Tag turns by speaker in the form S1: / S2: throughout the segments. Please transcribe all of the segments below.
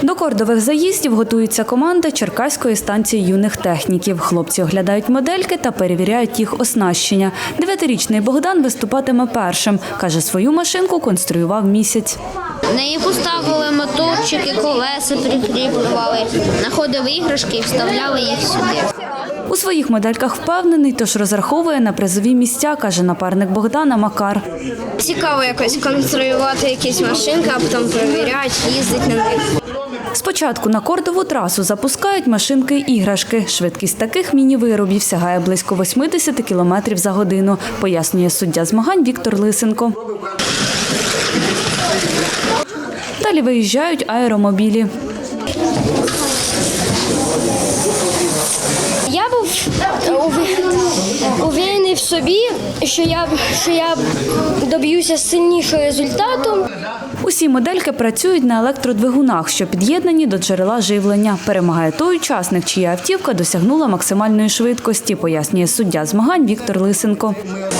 S1: До кордових заїздів готується команда Черкаської станції юних техніків. Хлопці оглядають модельки та перевіряють їх оснащення. 9-річний Богдан виступатиме першим. Каже, свою машинку конструював місяць.
S2: На неї поставили моторчики, колеса прикріплювали, знаходили іграшки і вставляли їх сюди.
S1: У своїх модельках впевнений, тож розраховує на призові місця, каже напарник Богдана Макар.
S2: Цікаво якось конструювати якісь машинки, а потім перевіряти, їздити на них.
S1: Спочатку на кордову трасу запускають машинки-іграшки. Швидкість таких міні-виробів сягає близько 80 км за годину, пояснює суддя змагань Віктор Лисенко. Далі виїжджають аеромобілі.
S3: Я був уверений в собі, що я доб'юся сильнішого результату.
S1: Усі модельки працюють на електродвигунах, що під'єднані до джерела живлення. Перемагає той учасник, чия автівка досягнула максимальної швидкості, пояснює суддя змагань Віктор Лисенко.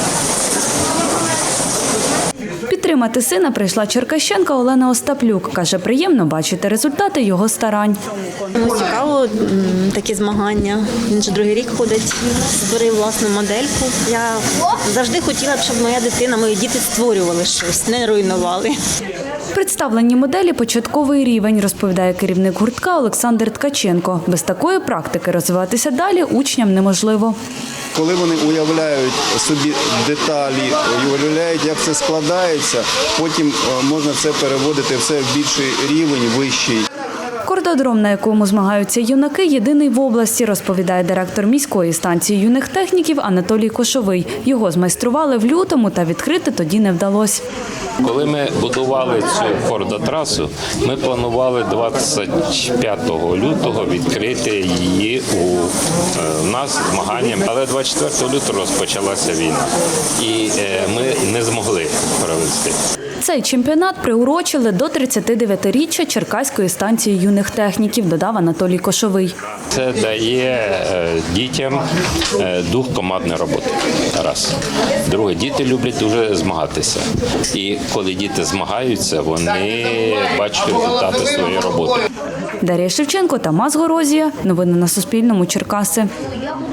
S1: Підтримати сина прийшла черкащанка Олена Остаплюк. Каже, приємно бачити результати його старань.
S4: Цікаво такі змагання. Він вже другий рік ходить, створив власну модельку. Я завжди хотіла б, щоб моя дитина, мої діти створювали щось, не руйнували.
S1: Представлені моделі – початковий рівень, розповідає керівник гуртка Олександр Ткаченко. Без такої практики розвиватися далі учням неможливо.
S5: Коли вони уявляють собі деталі, уявляють, як це складається, потім можна це переводити все в більший рівень, вищий.
S1: Кордодром, на якому змагаються юнаки, єдиний в області, розповідає директор міської станції юних техніків Анатолій Кошовий. Його змайстрували в лютому, та відкрити тоді не вдалося.
S6: Коли ми будували цю кордотрасу, ми планували 25 лютого відкрити її у нас змаганням. Але 24 лютого розпочалася війна, і ми не змогли провести.
S1: Цей чемпіонат приурочили до 39-річчя Черкаської станції юних техніків, додав Анатолій Кошовий.
S6: Це дає дітям дух командної роботи. Раз. Друге, діти люблять дуже змагатися. І коли діти змагаються, вони бачать результати своєї роботи.
S1: Дар'я Шевченко, Тамас Горозія. Новини на Суспільному. Черкаси.